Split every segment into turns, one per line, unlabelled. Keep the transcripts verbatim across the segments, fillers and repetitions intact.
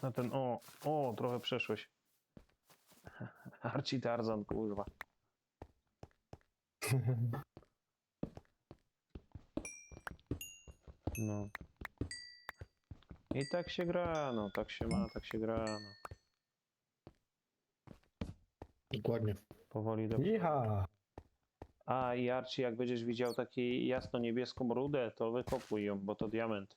Na ten, o, o, trochę przeszłeś. Arci Tarzan, kurwa. No. I tak się gra, no, tak się ma, tak się gra, no.
Dokładnie.
Powoli do...
Iha!
A, i Arci, jak będziesz widział taką jasno-niebieską rudę, to wykopuj ją, bo to diament.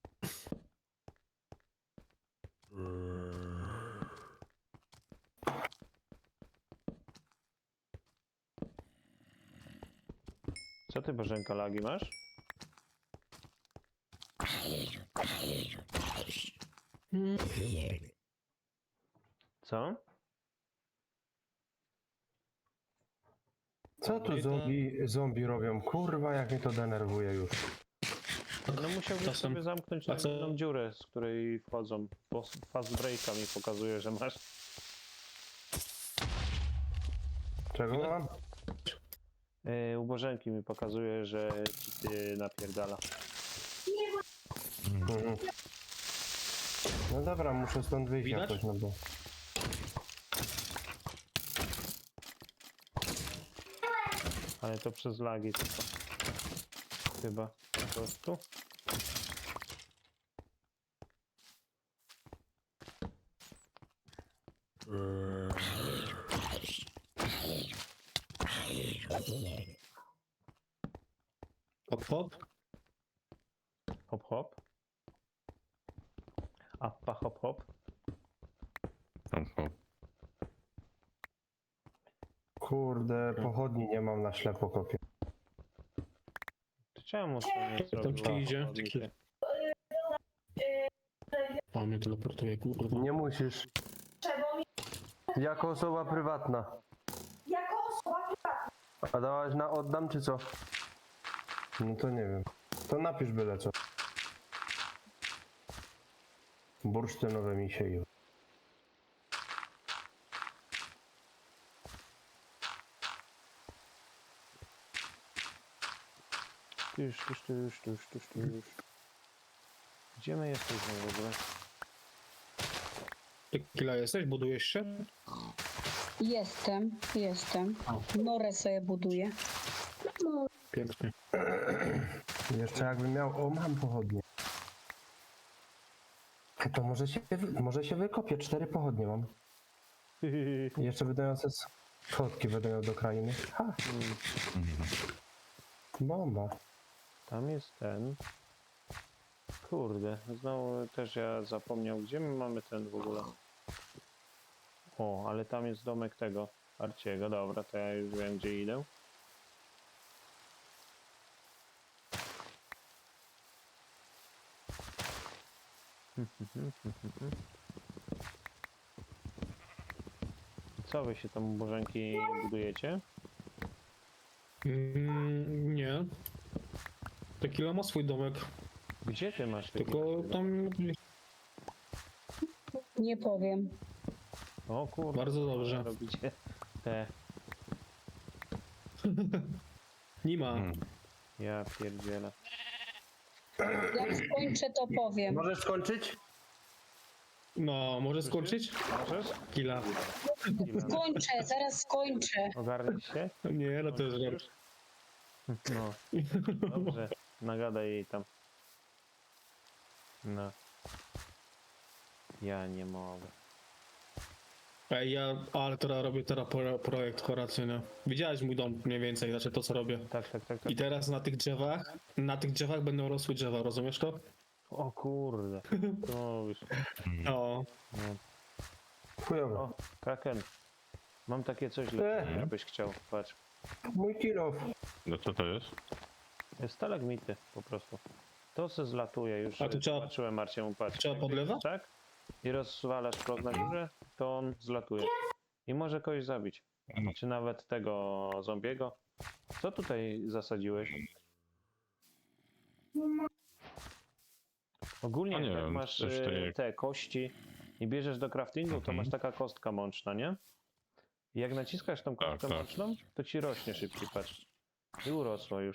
Co ty, Bożenka, lagi masz? Co?
Co tu zombie, zombie robią? Kurwa, jak mnie to denerwuje już.
No musiałbyś
Czasem-
sobie zamknąć
a co-
jedną dziurę, z której wchodzą, bo fast breaka mi pokazuje, że masz.
Czego mam?
Yy, u Bożenki mi pokazuje, że ci ty napierdala.
Mhm. No dobra, muszę stąd wyjść
Widać?
jakoś, no bo...
Ale to przez lagi tylko. Chyba. Po prostu.
Hop, hop.
Hop hop. Appa hop hop.
Kurde, pochodni nie mam na ślepo kopię.
To czemu to nie
Tam ci
zrobiła?
idzie.
Chodnicy?
O, mnie teleportuje, kurwa.
Nie musisz. Jako osoba prywatna.
Jako osoba prywatna.
A dałaś na oddam, czy co? No to nie wiem. To napisz byle co. Bursztynowe misie już.
Tyż, tyż, tyż, tyż, tyż, tyż. Gdzie my jesteśmy w ogóle?
Ty kila jesteś? Budujesz się?
Jestem, jestem. Norę sobie buduję.
Pięknie.
Jeszcze jakbym miał... O, mam pochodnie. To może się, wy- może się wykopię. Cztery pochodnie mam. I jeszcze wydające schodki będę miał do krainy. Ha! Bomba.
Tam jest ten. Kurde, znowu też ja zapomniał, gdzie my mamy ten w ogóle. O, ale tam jest domek tego Arciego, dobra, to ja już wiem, gdzie idę. Co wy się tam u Bożenki budujecie?
Mm, nie. Tequila ma swój domek.
Gdzie ty masz taki
Tylko
domek?
tam
Nie powiem.
O kurde,
bardzo dobrze.
robicie te,
Nie ma.
ja pierdzielę.
Jak skończę, to powiem.
Możesz skończyć?
No, może skończyć?
Możesz?
Kila.
Skończę, zaraz skończę.
Ogarnij się?
Nie, no to jest żart.
No, dobrze, nagadaj jej tam. No. Ja nie mogę.
Ej, ja, ale teraz robię teraz pro, projekt horacyjny. Widziałeś mój dom mniej więcej, znaczy to co robię.
Tak, tak, tak, tak.
I teraz na tych drzewach, na tych drzewach będą rosły drzewa, rozumiesz to?
O kurde. To już.
No.
No.
Chujowo.
O, Kraken. Mam takie coś dla
E.
ciebie, jakbyś chciał. Patrz.
Mój kilof.
No co to jest?
Stalagmity po prostu. To se zlatuje już.
A tu trzeba-
Patrzyłem Marciemu, patrz.
trzeba
Jak
podlewać?
Tak? I rozwalasz blok na górze, to on zlatuje. I może kogoś zabić. Czy nawet tego zombiego. Co tutaj zasadziłeś? Ogólnie
A nie
jak
wiem,
masz
coś
e,
tak-
te kości i bierzesz do craftingu, to
Mhm.
masz taka kostka mączna, nie? I jak naciskasz tą
Tak,
kostkę
tak.
mączną, to ci rośnie szybciej, patrz. I urosło już.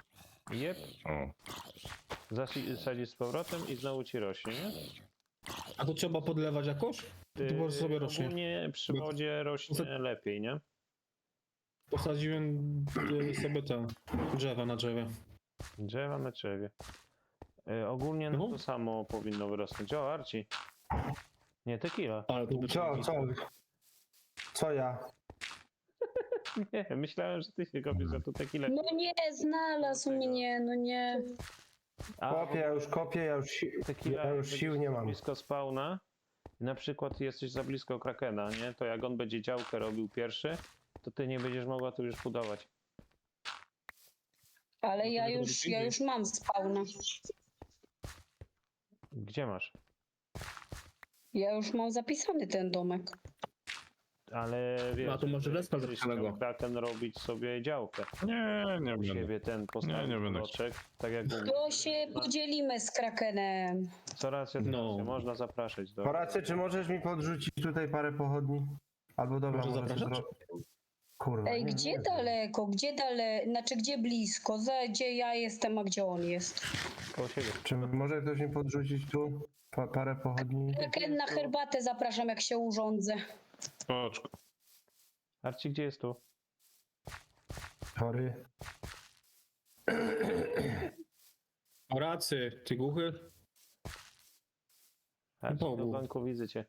Jep,
O,
zasadzisz z powrotem i znowu ci rośnie, nie?
A tu trzeba podlewać jakoś? To po prostu sobie rośnie.
Ogólnie przy wodzie rośnie lepiej, nie?
Posadziłem y, sobie te drzewa na drzewie.
Drzewa na drzewie. Y, ogólnie no
No.
to samo powinno wyrosnąć. O, Arci. Nie, tequila.
Ale to by
Co, co? Co ja?
Nie, myślałem, że ty się kopiesz, że to tequila.
No nie, znalazł mnie, no nie.
A
Kopię, ja już kopię, ja już, si
tequila,
ja już
jak
sił
będziesz
nie mam.
blisko spawna, na przykład jesteś za blisko Krakena, nie? To jak on będzie działkę robił pierwszy, to ty nie będziesz mogła tu już budować.
Ale ja już, ja już mam spawna.
Gdzie masz?
Ja już mam zapisany ten domek.
Ale wiesz,
No, to może
żeby
respa
kiedyś
zapisanego.
chciał Kraken robić sobie działkę.
Nie, nie
U
będę.
siebie ten postawić
nie będę
bloczek, tak jak u mnie.
To się podzielimy z Krakenem.
Co racja,
No.
no. można zapraszać do...
Horacy, czy możesz mi podrzucić tutaj parę pochodni? Albo dobra,
Może
może
zapraszać?
zro... Kurwa.
Ej,
nie,
gdzie
nie.
daleko, gdzie daleko, znaczy gdzie blisko, za, gdzie ja jestem, a gdzie on jest?
Koło siebie.
Czy może ktoś mi podrzucić tu pa parę pochodni?
Kraken na herbatę zapraszam, jak się urządzę.
Oczko.
Arci, gdzie jest tu?
Chory.
Horacy, ty głuchy?
Arci, do
Bogu.
banku widzę cię.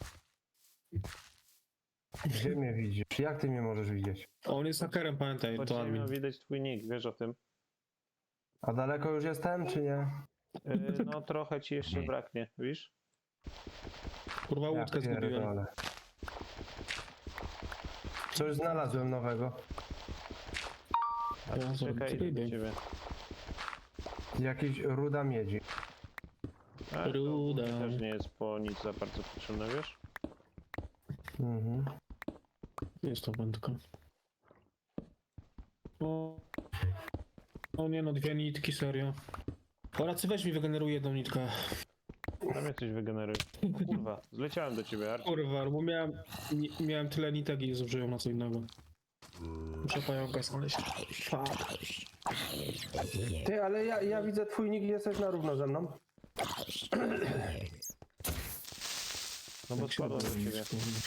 Gdzie mnie widzisz? Jak ty mnie możesz widzieć?
On jest hakerem, pamiętaj,
Pod
to admin.
ziemią widać twój nick, wiesz o tym?
A daleko już jestem, czy nie?
Yy, no trochę ci jeszcze braknie, widzisz?
Kurwa,
Ja
łódkę zgubiłem.
pierdolę. Coś znalazłem nowego.
A
Ja
ty czekaj,
zobaczę,
idę do
idę.
ciebie.
Jakiś ruda miedzi.
A, to
Ruda.
też nie jest po nic za bardzo potrzebne, wiesz?
Mhm.
Jest to wędka. O, o nie no, dwie nitki, serio. Horacy, weź mi wygeneruj jedną nitkę.
Tam mnie coś wygeneruje. O kurwa, zleciałem do ciebie, Arci.
Kurwa, bo miałem, mi- miałem tyle nitek i zużyłem na co innego. Muszę pająka znaleźć. Fuck.
Ty, ale ja, ja widzę twój nick, jesteś na równo ze mną.
No bo spadłem do ciebie.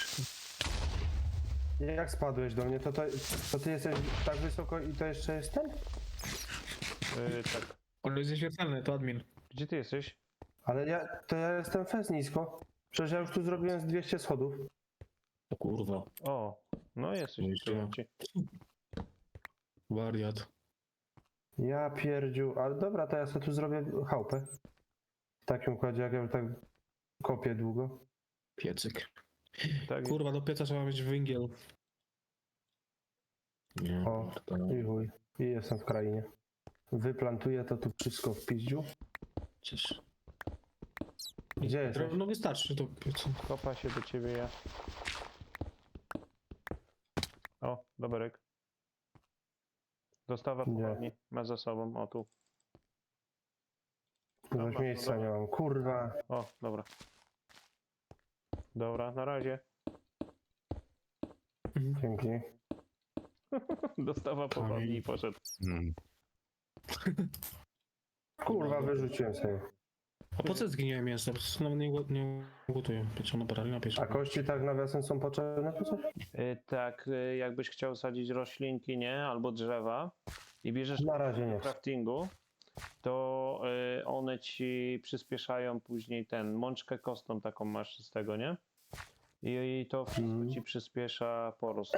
Jak spadłeś do mnie, to, to, to ty jesteś tak wysoko i to jeszcze jest ten?
Yy, tak.
On jest nieśmiertelny, to admin.
Gdzie ty jesteś?
Ale ja, to ja jestem fez nisko. Przecież ja już tu zrobiłem z dwieście schodów.
O kurwa,
O, no jesteś
Jeszcze.
tutaj, Arci.
wariat.
Ja pierdziu, ale dobra, to ja sobie tu zrobię chałupę. W takim układzie, jak ja już tak kopię długo.
Piecyk.
Tak,
Kurwa, do pieca trzeba mieć węgiel. Nie,
O,
to...
i chuj. I jestem w krainie. Wyplantuję to tu wszystko w piździu.
Cieszę.
Gdzie jesteś?
No wystarczy do pieca.
kopa się do ciebie ja. O, doberek. Dostawa
Nie.
pochodni. Ma za sobą, o tu.
Już miejsca nie mam. Kurwa.
O, dobra. Dobra, na razie.
Dzięki.
Dostawa pochodni i poszedł.
Mm.
Kurwa, wyrzuciłem sobie.
A po co zginiłem mięso? Po prostu nawet nie, go- nie gotuję. Pieczono parali na
A
pieczono.
kości tak nawiasem są potrzebne tu coś?
Y, tak, y, jakbyś chciał sadzić roślinki, nie? Albo drzewa i bierzesz
Na razie nie.
w craftingu, to y, one ci przyspieszają później ten, mączkę kostną taką masz z tego, nie? I, i to wszystko
Mhm.
ci przyspiesza porost.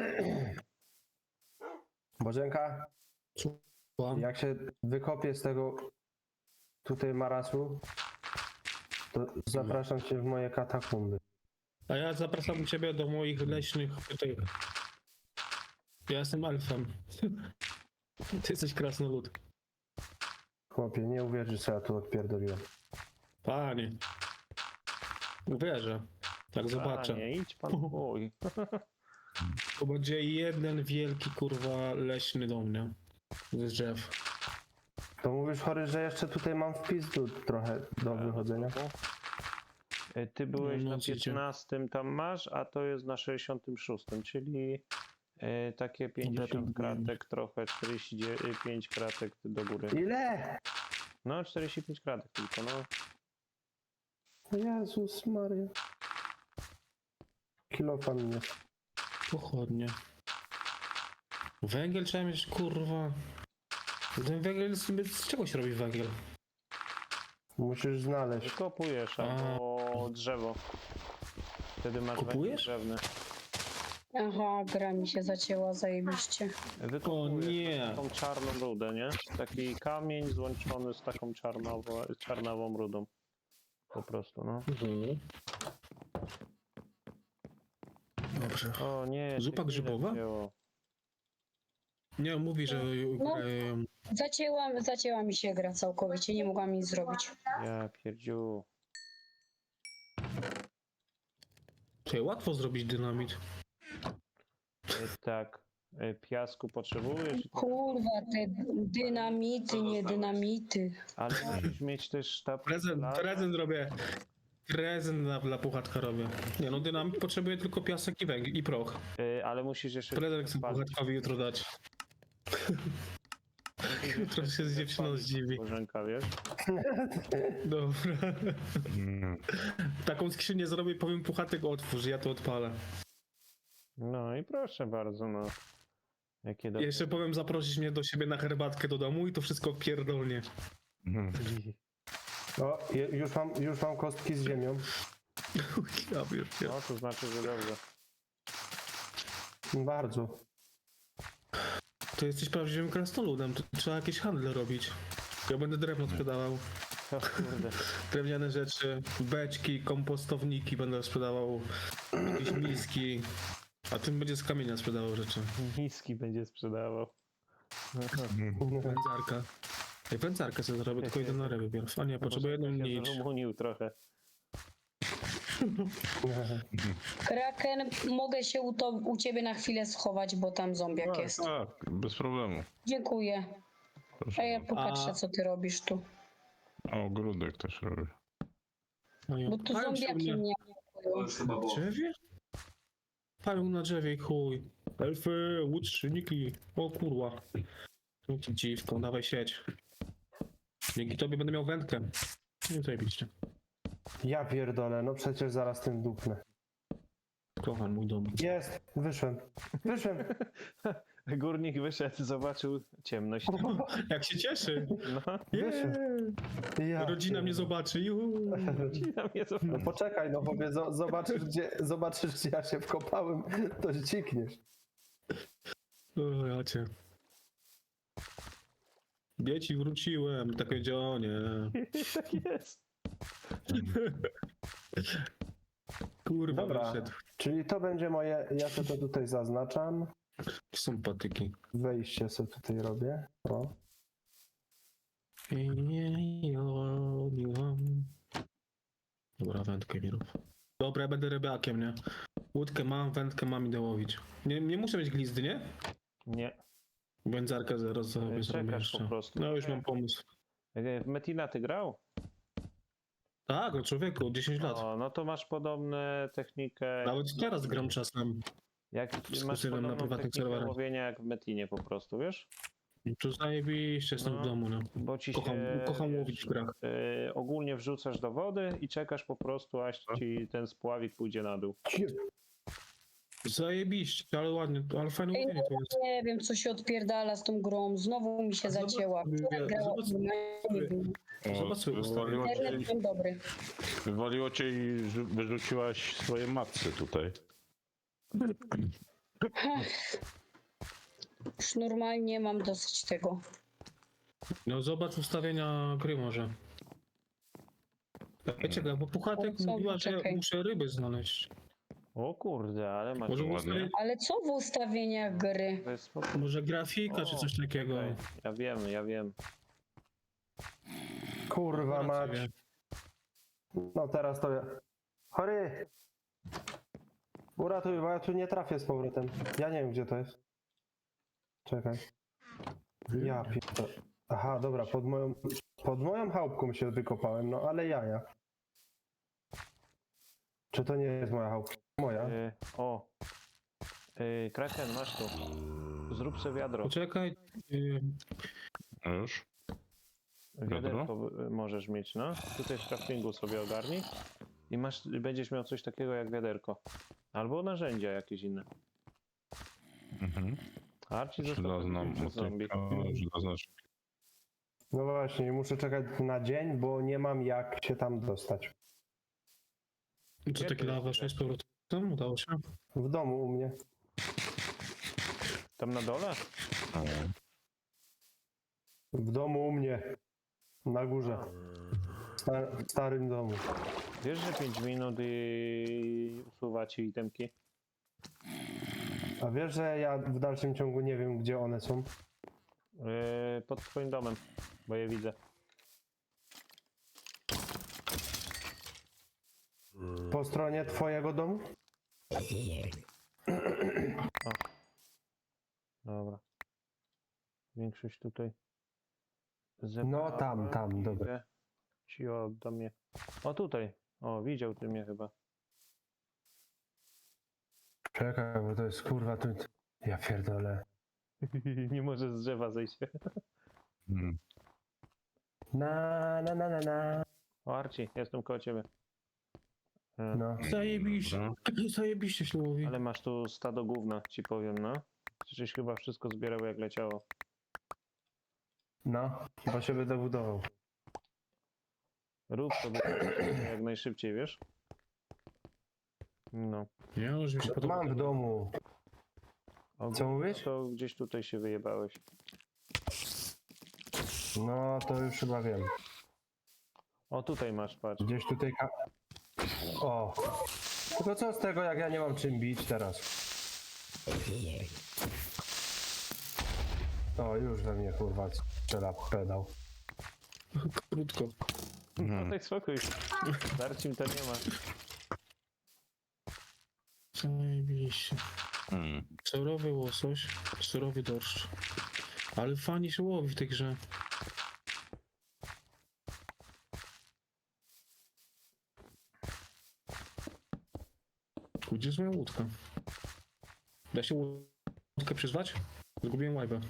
Bożenka,
Słucham?
jak się wykopię z tego tutaj marasu, to zapraszam cię w moje katakumby.
A ja zapraszam ciebie do moich leśnych tych. Ja jestem elfem. Ty jesteś krasnolud.
Chłopie, nie uwierzysz, co ja tu odpierdoliłem.
Panie. Uwierzę. Tak zobaczę.
Nie, idź pan, oj.
To będzie jeden wielki kurwa leśny dom, nie? Z drzew.
To mówisz, chory, że jeszcze tutaj mam wpis tu trochę do wychodzenia.
Y, Ty byłeś
No,
na
widzicie.
piętnastym tam masz, a to jest na sześćdziesiątym szóstym, czyli y, takie pięćdziesiąt
to
kratek, trochę czterdzieści pięć kratek do góry.
Ile?
No, czterdzieści pięć kratek tylko, no.
Jezus Maria. Kilofa mi jest.
Pochodnie. Węgiel trzeba mieć, kurwa. Ten węgiel, z z czego się robi węgiel?
Musisz znaleźć.
Kopujesz
A.
albo drzewo. Wtedy masz węgiel
Kupujesz?
drzewny.
Aha, gra mi się zacięła zajebiście.
Wykopujesz
nie.
taką czarną rudę, nie? Taki kamień złączony z taką czarnową, czarnawą rudą. Po prostu, no.
Mhm. Dobrze.
O nie.
Zupa
się
grzybowa?
wzięło.
Nie, mówi, że
No.
grają.
Zacięła, zacięła mi się gra całkowicie, nie mogłam nic zrobić.
Ja pierdziu.
Tutaj łatwo zrobić dynamit.
E, Tak. E, Piasku potrzebujesz,
Kurwa, te dynamity, nie dynamity.
ale musisz mieć też sztab.
Prezent,
dla-
prezent robię. Prezent dla, dla puchatka robię. Nie no, dynamit potrzebuje tylko piasek i węgiel i proch.
E, Ale musisz jeszcze.
Prezent chcę
spalić.
puchatkowi jutro dać.
Musisz
Jutro się z dziewczyną zdziwi.
Bożenka, wiesz?
Dobra. Taką skrzynię zrobię i powiem puchatek otwórz, ja to odpalę.
No i proszę bardzo, no. Jakie dobre.
Jeszcze powiem zaprosić mnie do siebie na herbatkę do domu i to wszystko pierdolnie.
O, je- już mam, już mam kostki z ziemią.
Ja pier-
No to znaczy, że dobrze.
Bardzo.
To jesteś prawdziwym krasnoludem, to trzeba jakieś handle robić. Ja będę drewno sprzedawał,
O kurde.
drewniane rzeczy, beczki, kompostowniki będę sprzedawał, jakieś miski, a tym będzie z kamienia sprzedawał rzeczy.
Miski będzie sprzedawał.
Wędzarka. Ej, wędzarkę sobie zrobię, tylko idę na ryby pierw. A nie, potrzebuję jedną
Bożenka się
nić.
zrumunił trochę.
Kraken, mogę się u, to, u ciebie na chwilę schować, bo tam zombiak
Tak,
jest.
tak, bez problemu.
Dziękuję.
Proszę
A ja
bardzo.
popatrzę,
A-
co ty robisz tu.
O, ogródek też robię.
No i
Bo tu
palą się u
zombiaki
mnie
mnie
na drzewie? Palą na drzewie i chuj. Elfy, łuczyniki. O kurwa. Dzięki dziwką, dawaj sieć. Dzięki tobie będę miał wędkę. Nie zajebiście.
Ja pierdolę, no przecież zaraz tym dupnę.
Kocham mój dom.
Jest, wyszłem. Wyszłem.
Górnik wyszedł, zobaczył ciemność.
Jak się cieszy.
No,
Wyszłem. Ja
Rodzina mnie zobaczy. Juhu.
rodzina mnie
No
zobaczy.
poczekaj, no powiedz, zo- zobaczysz gdzie, zobaczysz gdzie ja się wkopałem, to zdzikniesz.
O, ja cię. Dzieci wróciłem. Takie dzionie.
Tak jest.
Kurwa,
Dobra.
wyszedł.
Czyli to będzie moje, ja sobie to tutaj zaznaczam.
Są patyki.
Wejście sobie tutaj robię. O.
Dobra, wędkę mi rób. Dobra, ja będę rybakiem, nie? Łódkę mam, wędkę mam, idę łowić. Nie, nie muszę mieć glizdy, nie?
Nie.
Wędzarkę zaraz sobie zrobię
Czekasz
jeszcze.
po prostu.
No już mam pomysł.
E, W Metina ty grał?
Tak, o człowieku, dziesięć lat.
O, no to masz podobną technikę.
Nawet teraz gram czasem.
Jak masz
Skurczyłem na
podobną
prywatnych
technikę
serwerach.
łowienia jak w Metinie po prostu, wiesz?
To zajebiście, jestem
No.
w domu, no.
Bo ci
Kocham,
się,
kocham
wiesz,
łowić w grach.
e, ogólnie wrzucasz do wody i czekasz po prostu, aż ci ten spławik pójdzie na dół.
Zajebiście, ale ładnie, ale fajne
Ej,
łowienie to jest.
Nie wiem, co się odpierdala z tą grą. Znowu mi się
A zobacz
zacięła.
sobie,
Wczoraj grała,
zobacz
nie wiem.
O,
Zobacz sobie
wywaliło, cię,
Internet był dobry.
wywaliło cię i rzu- wyrzuciłaś swoje matce tutaj.
Już normalnie mam dosyć tego.
No zobacz ustawienia gry może. Wiecie, bo Puchatek
Co?
mówiła, że
Czekaj.
muszę ryby znaleźć.
O kurde, ale masz...
Może,
ładnie.
ustawię,
Ale co w ustawieniach gry?
To jest spoko-
może grafika czy
O,
coś takiego.
okej. Ja wiem, ja wiem.
Kurwa mać.
Rację.
No teraz to ja. Chory! Uratuj, bo ja tu nie trafię z powrotem. Ja nie wiem gdzie to jest. Czekaj. Ja pierdolę. Aha, dobra, pod moją, pod moją chałupką się wykopałem, no ale jaja. Czy to nie jest moja chałupka? Moja.
E, o. E, Kraken, masz tu. Zrób sobie wiadro.
Poczekaj. y,
A już?
Wiaderko y, możesz mieć, no. Tutaj w craftingu sobie ogarnij. I masz, będziesz miał coś takiego jak wiaderko. Albo narzędzia jakieś inne.
Mhm.
A Arci został
Żelazna
zabity przez zombie.
motyka, żelazna szpilka.
No właśnie, muszę czekać na dzień, bo nie mam jak się tam dostać.
Co
Gdzie
taki
to
dla
jest?
waszej z powrotem? Udało się?
W domu u mnie.
Tam na dole?
O,
W domu u mnie. Na górze. W sta- w starym domu.
Wiesz, że pięć minut i usuwa ci itemki?
A wiesz, że ja w dalszym ciągu nie wiem, gdzie one są?
Yy, pod twoim domem, bo je widzę.
Po stronie twojego domu?
Dobra. Większość tutaj.
No tam, tam, dobra.
Ci oddam je. O tutaj. O, widział ty mnie chyba.
Czekaj, bo to jest kurwa tu... Ja pierdolę.
Nie może z drzewa zejść.
mm.
Na, na, na, na, na.
O, Arci, jestem koło ciebie. E,
No.
Zajebiście.
Dobra.
Zajebiście się mówi.
Ale masz tu stado gówna, ci powiem, no. Przecież chyba wszystko zbierał jak leciało.
No, chyba się będę budował.
Rób to jak najszybciej, wiesz? No.
Nie, już mi się podoba.
Mam w domu.
O,
Co mówisz?
To gdzieś tutaj się wyjebałeś.
No, to już chyba wiem.
O, tutaj masz, patrz.
Gdzieś tutaj... Ka- o. Tylko co z tego, jak ja nie mam czym bić teraz? O, już we mnie kurwa strzela pedał.
Krótko.
No
Mhm.
tak spokój. Darcim to nie ma.
Zajebiście.
Mm.
Surowy łosoś, surowy dorszcz. Ale fajnie się łowi w tej grze. Gdzie jest moja łódka? Da się łódkę przyzwać? Zgubiłem łajbę.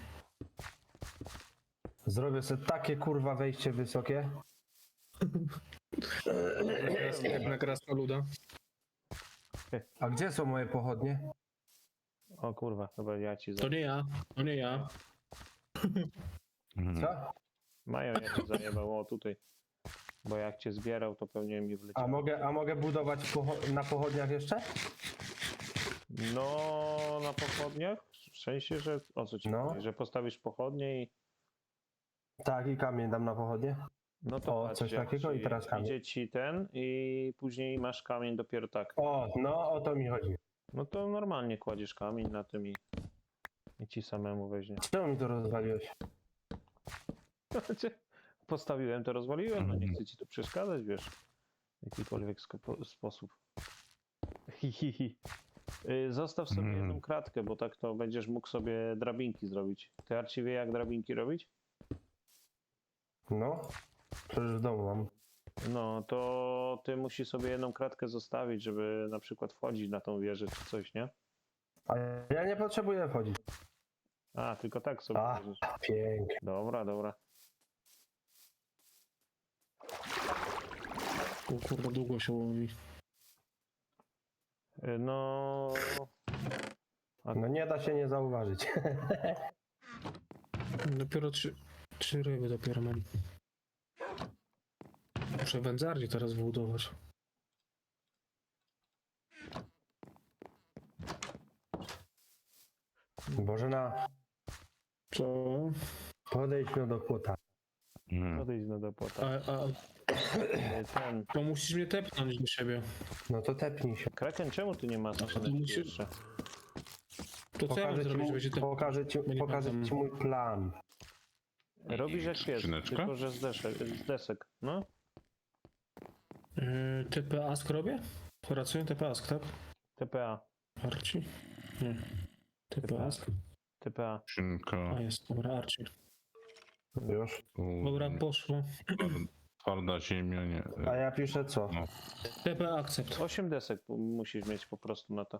Zrobię sobie takie kurwa wejście wysokie.
Jak na krasnoluda.
A gdzie są moje pochodnie?
O kurwa, chyba ja ci za...
To nie ja, to nie ja.
Mhm.
Co?
Mają ja ci zajebał, o tutaj. Bo jak cię zbierał, to pewnie mi
A
wleciało.
mogę, a mogę budować pocho- na pochodniach jeszcze?
No, na pochodniach? W sensie, że... O co ci
No.
chodzi? Że postawisz pochodnie i...
Tak, i kamień dam na pochodnie.
No to
O,
patrz,
coś
jak
takiego
ci-
i teraz kamień.
Idzie ci ten i później masz kamień dopiero tak.
O, no o to mi chodzi.
No to normalnie kładziesz kamień na tym i... I ci samemu weźmie.
Czemu mi to rozwaliłeś?
Postawiłem, to rozwaliłem, no nie
Mhm.
chcę ci tu przeszkadzać, wiesz. W jakikolwiek sko- sposób. Hihihi. Y, Zostaw sobie
Mhm.
jedną kratkę, bo tak to będziesz mógł sobie drabinki zrobić. Ty Arci wie jak drabinki robić?
No, przecież w domu mam.
No, to ty musisz sobie jedną kratkę zostawić, żeby na przykład wchodzić na tą wieżę czy coś, nie?
A ja nie potrzebuję wchodzić.
A, tylko tak sobie
A.
wchodzisz.
Pięknie.
Dobra, dobra.
O kurwa, długo się łowi.
Y, No...
No nie da się nie zauważyć.
Dopiero trzy, trzy ryby dopiero mam. Muszę wędzarnię teraz wybudować.
Bożena,
Co?
podejdźmy do płota.
Mhm.
Podejdź no do
A,
płota.
a
Y, Ten...
to musisz mnie tepnąć do siebie.
No to tepnij się.
Kraken, czemu ty nie masz
to
skrzyneczki
musi-
jeszcze?
To co ja mam
Pokażę ci,
zrobić, że
mój,
będzie tep...
pokażę ci,
będzie
pokażę
tam-
ci mój plan.
Robisz jak pies,
Skrzyneczka?
tylko że z desek, z desek, no.
Yy, T P ask robię? Pracuję T P ask, tak?
T P A,
Arci? Nie. T P ask?
T P A.
Skrzynka.
A jest, dobra, Arci.
Już.
tu,
Dobra, poszło.
twar- Twarda ziemia, nie.
A ja piszę co?
No.
T P akcept.
osiem desek p- musisz mieć po prostu na to.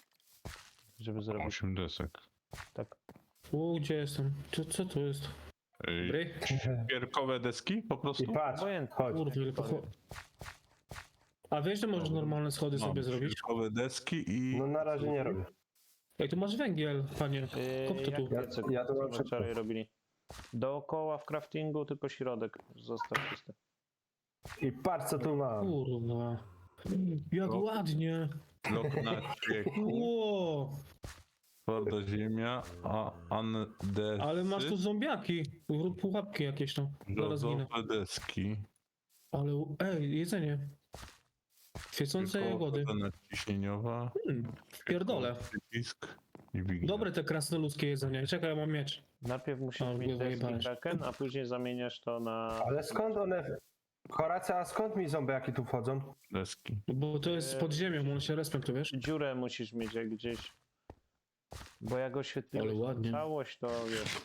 Żeby zrobić
osiem desek.
tak.
U, gdzie jestem? Co, co to jest?
Ej,
Dobry?
Pierkowe deski po
I
prostu?
patrz,
Obojętnie.
chodź.
Kurde, ile pocho... A wiesz, że możesz
Dobra.
normalne schody
Mam
sobie zrobić?
Pierkowe deski i...
No na razie nie robię.
Ej, tu masz węgiel, panie. Kop to
Yy,
tu.
jak
Ja-
piecyk,
ja to
co
mam
my
szybko.
wczoraj robili. Dookoła w craftingu, tylko środek został czysty.
I patrz co tu mam.
Kurwa. Jak
No.
ładnie.
Blok na cieku,
Ło,
twarda ziemia, a andesy,
ale masz tu zombiaki. Rób pułapki jakieś tam. Zaraz ginę.
brzozowe deski.
Ale, ej, jedzenie. Świecące
Pierkowa
jagody.
woda nadciśnieniowa,
Hmm, pierdolę.
przycisk i wignia.
Dobre te krasnoludzkie jedzenie. Czekaj, ja mam miecz.
Najpierw musisz
A,
mieć deski
wyjebałeś.
kraken, a później zamieniasz to na...
Ale skąd one... Horacja, a skąd mi zombiaki tu wchodzą?
Deski.
Bo to jest pod ziemią, on się respem, tu wiesz?
Dziurę musisz mieć jak gdzieś. Bo jak oświetliłeś
Ale ładnie.
całość, to wiesz.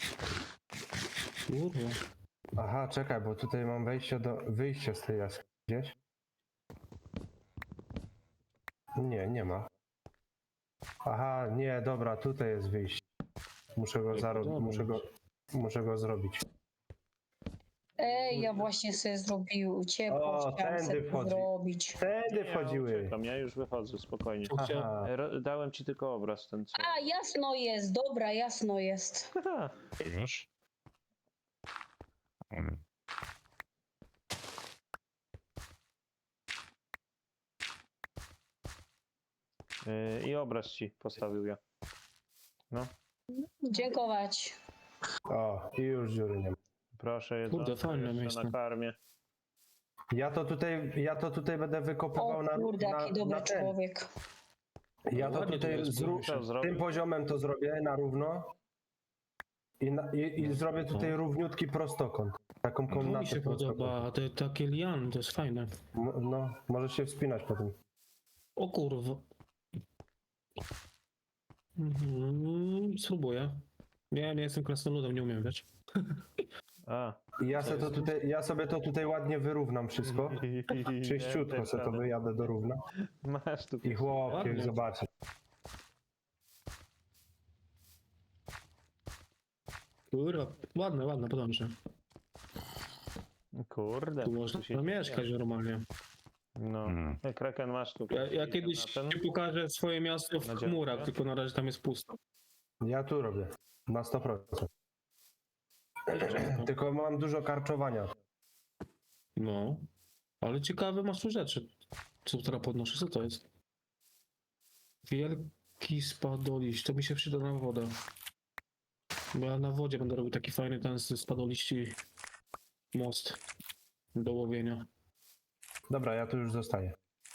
Kurwa.
Aha, czekaj, bo tutaj mam wejście do... wyjście z tej jaskini gdzieś. Nie, nie ma. Aha, nie, dobra, tutaj jest wyjście. Muszę go zarobić,
dobra.
muszę go... Muszę go zrobić.
Ej, ja właśnie sobie zrobił ciepło,
O,
chciałam
tędy
sobie
wchodzi.
zrobić.
Tędy
Ja
wchodziły.
uciekam, ja już wychodzę, spokojnie.
Tu chciał-
Aha.
E, ro- Dałem ci tylko obraz ten co.
A, jasno jest, dobra, jasno jest.
Haha.
Wiesz? Mm.
E, I obraz ci postawił ja. No,
Dziękować.
O, i już dziury nie ma.
proszę jedzonko
Kurde, fajne
jeszcze
miejsce.
na karmie.
Ja to tutaj, ja to tutaj będę
O
wykopywał na,
kurde,
na,
jaki dobry
na ten.
człowiek.
Ja to
Ładnie to
tutaj
jest,
zrób,
Co
tym
zrobił?
poziomem to zrobię na równo. I, na, i, i zrobię tutaj równiutki prostokąt. Taką
To mi
komnatę
się
prostokąt.
podoba, te takie liany, to jest fajne.
M- No, możesz się wspinać po tym.
O kurwa. Mhm, spróbuję. Nie, nie jestem krasnoludem, nie umiem, wiesz?
A.
I ja, se to tutaj, ja sobie to tutaj ładnie wyrównam wszystko. Czyściutko se to wyjadę do równa.
Masz tu.
I chłopie,
Ładnie.
zobaczy.
Kurwa, ładne, ładne, podoba mi się.
Kurde.
Tu można
się
mieszkać normalnie.
No.
Mm.
E, Kraken masz tu.
Ja, ja kiedyś
na ten?
ci pokażę swoje miasto w
Na
chmurach,
dzielnie?
tylko na razie tam jest pusto.
Ja tu robię. Na sto procent. Tylko mam dużo karczowania.
No. Ale ciekawe masz tu rzeczy. Co teraz podnoszę? Co to jest? Wielki spadoliść. To mi się przyda na wodę. Bo ja na wodzie będę robił taki fajny ten z spadoliści most do łowienia.
Dobra, ja tu już zostaję.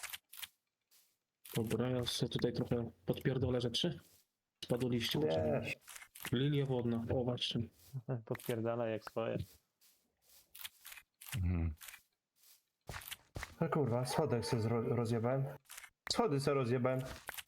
Dobra, ja sobie tutaj trochę podpierdolę rzeczy. Spadoliści.
Nie.
Lilia wodna. O, właśnie.
Podpierdala jak swoje.
Mm.
No kurwa, schodek se zro- rozjebałem. Schody se rozjebałem.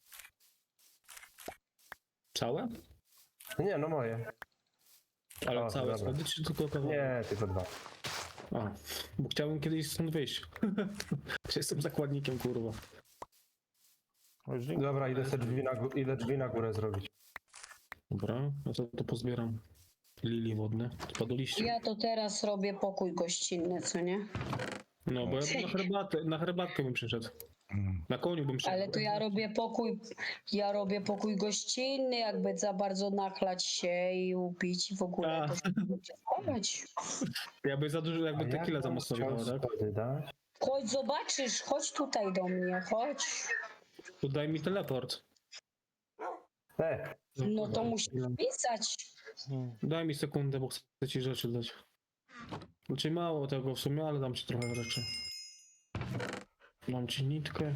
Całe?
Nie, no moje.
Ale
O,
całe
dobra.
schody, czy tylko kawałek?
Nie, tylko dwa.
A, bo chciałbym kiedyś stąd wyjść. Jestem zakładnikiem, kurwa.
O, już nie-
Dobra, idę se drzwi na, gó- idę drzwi na górę zrobić.
Dobra, no to, to pozbieram lilii wodne. Spadoliście.
Ja to teraz robię pokój gościnny, co nie?
No, bo ja bym na herbatę, na herbatkę bym przyszedł.
Mm.
Na koniu bym przyszedł.
Ale to ja robię pokój, ja robię pokój gościnny, jakby za bardzo nachlać się i upić i w ogóle
A.
to schować.
Jakby za dużo,
A
jakby
jak
tequila za
bym
mocno
chciał
wjechała, tak?
schody dać?
Chodź zobaczysz, chodź tutaj do mnie, chodź.
To daj mi teleport.
E,
No to musisz pisać.
Daj mi sekundę, bo chcę ci rzeczy dać. Znaczy mało tego w sumie, ale dam ci trochę rzeczy. Dam ci nitkę.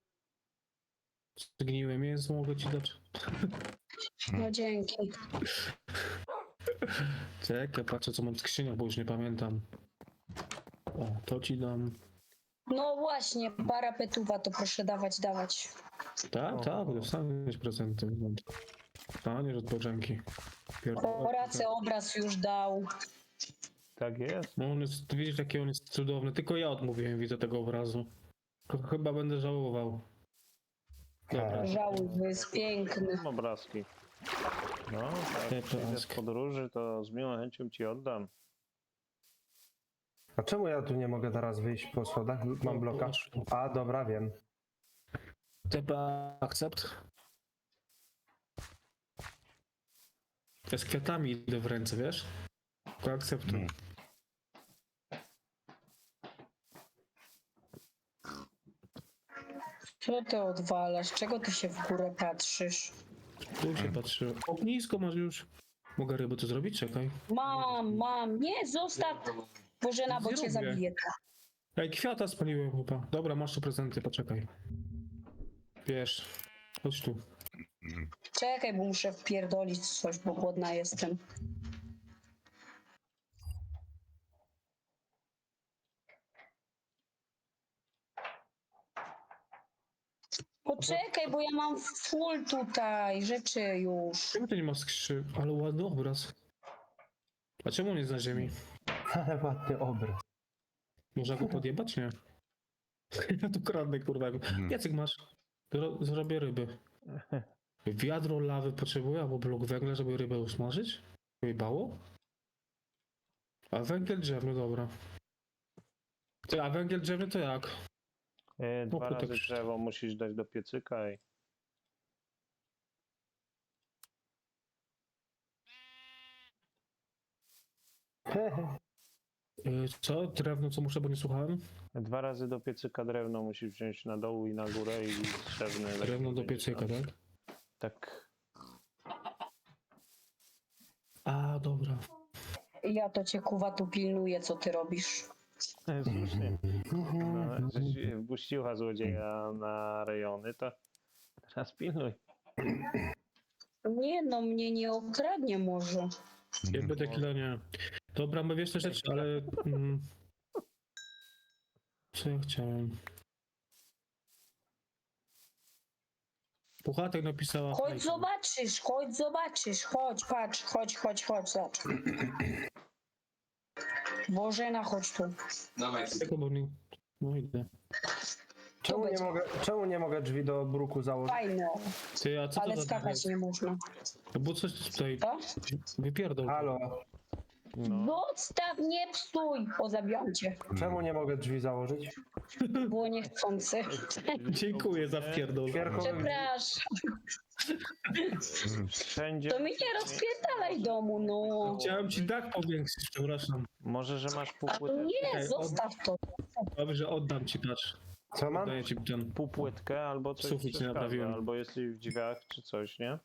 Zgniłe mięso mogę ci dać.
No dzięki.
Czekaj, patrzę co mam w skrzyniach, bo już nie pamiętam. O, to ci dam.
No właśnie, parapetuwa to proszę dawać, dawać.
Tak, tak, dostaniesz prezenty. Dostaniesz od Bożenki.
Horacy obraz już dał.
Tak jest.
No on jest, widzisz jaki on jest cudowny, tylko ja odmówiłem, widzę tego obrazu. Ch- Chyba będę żałował. Dobra.
Tak.
Żałuj, bo jest piękny.
Obrazki. No,
Te
jak przyjdę z
plaski.
podróży, to z miłą chęcią ci oddam.
A czemu ja tu nie mogę teraz wyjść po schodach? Mam bloka. A, dobra, wiem.
T P akcept. Ja z kwiatami idę w ręce, wiesz? Tylko akceptuj.
Mm.
Co ty odwalasz? Czego ty się w górę patrzysz?
Tu się patrzy. Ognisko masz już. Mogę ryby to zrobić? Czekaj.
Mam, mam. Nie, zostaw. Bożena, bo
Nie
cię
robię.
zabiję.
Ej, kwiata spaliłem chyba. Dobra, masz tu prezenty, poczekaj. Wiesz. Chodź tu.
Czekaj, bo muszę wpierdolić coś, bo głodna jestem. Poczekaj, bo ja mam full tutaj rzeczy już.
Czemu to nie ma skrzy? Ale ładny obraz. A czemu on jest na ziemi?
Ale ładny obraz.
Można go podjebać? Nie. Ja tu kradnę, kurwa. Jacek masz? Zro zrobię ryby. Wiadro lawy potrzebuję, albo blok węgla, żeby rybę usmażyć? Wyjebało? A węgiel drzewny, dobra. Ty, a węgiel drzewny to jak?
E,
No,
dwa
to tak
razy
przy-
drzewo musisz dać do piecyka i...
Yy, co? Drewno, co muszę, bo nie słuchałem?
Dwa razy do piecyka drewno musisz wziąć na dół i na górę i drzewny...
Drewno do
będzie
piecyka,
tam.
tak?
Tak.
A, dobra.
Ja to cię kuwa tu pilnuję, co ty robisz.
E, Słusznie. No, żeś wpuściła złodzieja na rejony, to teraz pilnuj.
Nie no, mnie nie okradnie może.
Jakby tequila nie. Dobra, my wiesz te rzeczy, ale... Mm, co ja chciałem? Puchatek napisała...
Chodź
hejka.
zobaczysz, chodź zobaczysz, chodź, patrz, chodź, chodź, chodź, zobacz. Bożena, chodź tu.
Czekaj, bo nie... No idę.
Czemu nie
będzie.
mogę, czemu nie mogę drzwi do bruku założyć?
Fajne,
Ty, a co
ale
to za...
skakać nie można.
Bo coś tutaj...
To?
Wypierdol.
Halo,
No.
Zostaw, nie psuj, bo zabijam cię.
czemu nie mogę drzwi założyć?
Było niechcący.
Dziękuję za wpierdol.
Świerkowy...
Przepraszam,
Wszędzie...
to mi nie rozpierdalaj domu, no.
Chciałem ci dach powiększyć, przepraszam.
Może, że masz
A
półpłytę,
nie,
Okej,
zostaw to.
Dobrze, oddam ci, patrz.
Co mam?
Daję ci ten...
półpłytkę albo coś
Sufit nie
przeszkadza,
naprawiłem.
albo jesteś w drzwiach czy coś, nie?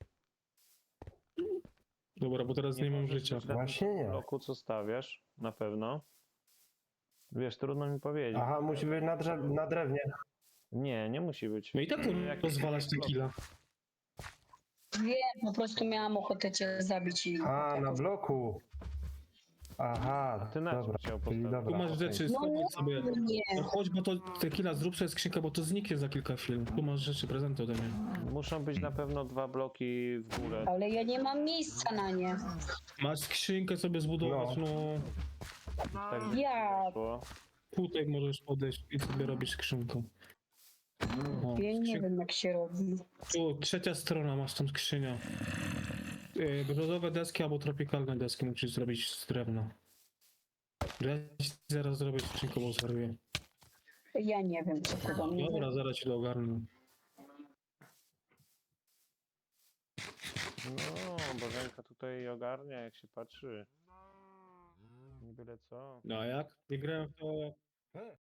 Dobra, bo teraz nie mam
możesz
życia.
być na
Właśnie
tym
nie.
bloku, co stawiasz, na pewno. Wiesz, trudno mi powiedzieć.
Aha, musi być na, drzew na drewnie.
Nie, nie musi być.
No i tak
Jak-
rozwalać tequila.
Wiem, po prostu miałam ochotę cię zabić i...
A, na bloku. Aha,
Ty na czym
dobra.
chciał
Czyli
postawić?
dobra.
Tu masz
okej.
rzeczy,
No nie,
schowaj sobie.
nie.
No chodź, bo to tequila, zrób sobie skrzynkę, bo to zniknie za kilka chwil. Tu masz rzeczy, prezenty ode mnie.
Muszą być na pewno dwa bloki w górę.
Ale ja nie mam miejsca na nie.
Masz skrzynkę sobie zbudować, no.
Tak by
Ja-
wyszło.
Tutaj możesz podejść i sobie robisz skrzynkę. O,
Ja nie
skrzyn-
wiem, jak się robi.
Tu, trzecia strona, masz tam skrzynia. Yy, brzozowe deski albo tropikalne deski musisz zrobić z drewna. Ja ci zaraz zrobię skrzynkę, bo zwariuję.
Ja nie wiem, co to do mnie.
Dobra, zaraz ci to ogarnę.
No, Bożenka tutaj ogarnia, jak się patrzy. Nie byle co.
No a jak? Nie grałem w to